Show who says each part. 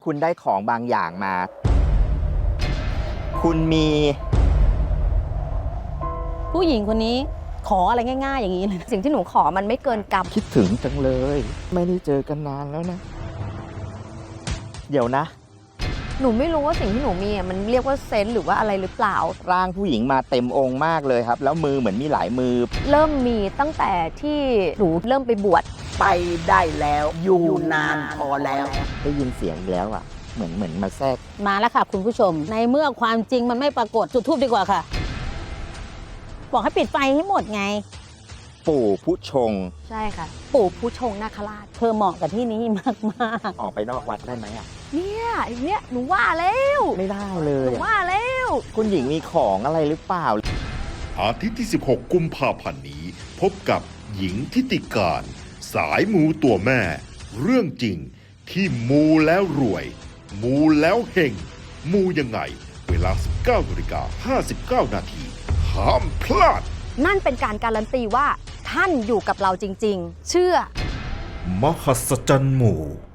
Speaker 1: คุณได้ของบางอย่างมา คุณมี
Speaker 2: ผู้หญิงคนนี้ขออะไรง่ายๆอย่างนี้เลย
Speaker 3: สิ่งที่หนูขอมันไม่เกินกรรม
Speaker 1: คิดถึงจังเลย ไม่ได้เจอกันนานแล้วนะ เดี๋ยวนะ
Speaker 3: หนูไม่รู้ว่าสิ่งที่หนูมีมันเรียกว่าเซนส์หรือว่าอะไรหรือเปล่า
Speaker 1: ร่างผู้หญิงมาเต็มองค์มากเลยครับ แล้วมือเหมือนมีหลายมือ
Speaker 3: เริ่มมีตั้งแต่ที่หนูเริ่มไปบวช
Speaker 4: ไปได้แล้วอยู่นานพอแล้ว
Speaker 1: ได้ยินเสียงอีกแล้วอ่ะ เหมือนมาแทรก
Speaker 2: มาแล้วค่ะคุณผู้ชม ในเมื่อความจริงมันไม่ปรากฏจุดทูบดีกว่าค่ะ บอกให้ปิดไฟให้หมดไง
Speaker 1: ปู่ผู้ชง
Speaker 3: ใช่ค่ะ ปู่ผู้ชงนาคราช
Speaker 2: เธอเหมาะกับที่นี้มาก
Speaker 1: ออกไปนอกวัดได้ไหมอ่ะ
Speaker 3: เนี่ยหนูว่าแล้ว
Speaker 1: ไม่ได้เล
Speaker 3: ห
Speaker 1: ย
Speaker 3: นู
Speaker 1: อะ
Speaker 3: ว่าแล้ว
Speaker 1: คุณหญิงมีของอะไรหรือเปล่า
Speaker 5: อาทิตย์ที่ 16 กุมภาพันธ์นี้ พบกับหญิงทิติการ สายมูตัวแม่ เรื่องจริงที่มูแล้วรวย มูแล้วเฮงมูยังไง เวลา 19:59 นาทีห้ามพลาด
Speaker 3: นั่นเป็นการการันตีว่าท่านอยู่กับเราจริง ๆ เชื่อ
Speaker 5: มหัศจรรย์หมู่